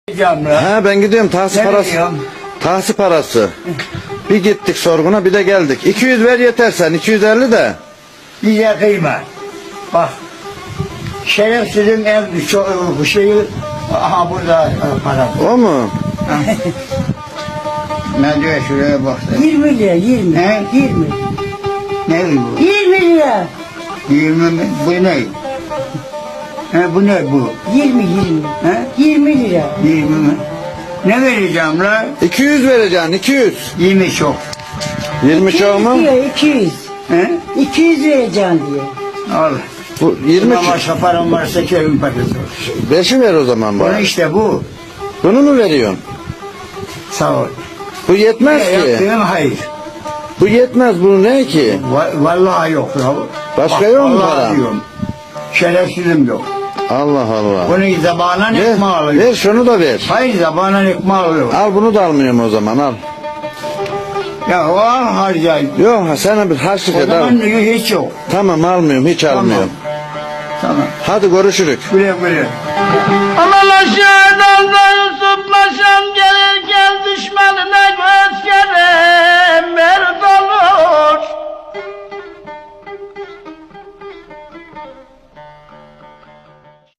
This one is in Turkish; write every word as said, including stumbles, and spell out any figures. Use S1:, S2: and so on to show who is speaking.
S1: He ben gidiyorum tahsis
S2: Nereye
S1: parası.
S2: gidiyorsun?
S1: Tahsis parası. Bir gittik sorguna bir de geldik. iki yüz ver yeter sen iki yüz elli de.
S2: Bize kıyma. Bak. Şerefsizin en çok bu şeyi aha burada para.
S1: O mu?
S2: Ne diyor şuraya bak.
S3: yirmi lira, yirmi.
S2: He?
S3: yirmi.
S2: Ne bu?
S3: yirmi lira.
S2: yirmi mi? Bu ne? He bu ne bu?
S3: yirmi, yirmi.
S2: He?
S3: yirmi lira.
S2: yirmi mi? Ne vereceğim la?
S1: iki yüz vereceksin iki yüz.
S2: yirmi çok.
S1: yirmi çok mu?
S3: Diyor, iki yüz.
S2: He?
S3: iki yüz vereceğim diyor.
S2: Al.
S1: Bu yirmi
S2: Ama başka param varsa kevin parası.
S1: beşi ver o zaman
S2: Bunu
S1: bana.
S2: işte bu.
S1: Bunu mu veriyorsun?
S2: Sağ ol.
S1: Bu yetmez
S2: Ne
S1: ki.
S2: yaptığın hayır.
S1: Bu yetmez bu ne ki?
S2: Va- Vallahi yok ya.
S1: Başka
S2: Bak,
S1: yok mu
S2: vallahi
S1: para?
S2: diyorum. Şerefsizim yok.
S1: Allah Allah.
S2: Bunu zabanan
S1: Ver,
S2: ekmeği alıyor.
S1: ver şunu da ver.
S2: Hayır zabanan ekmeği alıyor.
S1: Al bunu da almıyorum o zaman al.
S2: Ya o al harcayın.
S1: Yok sana bir harçlık
S2: O
S1: et al.
S2: zaman diyor hiç yok.
S1: Tamam almıyorum hiç
S2: Tamam.
S1: almıyorum.
S2: Tamam.
S1: Hadi görüşürük.
S2: Güle güle.
S3: Ama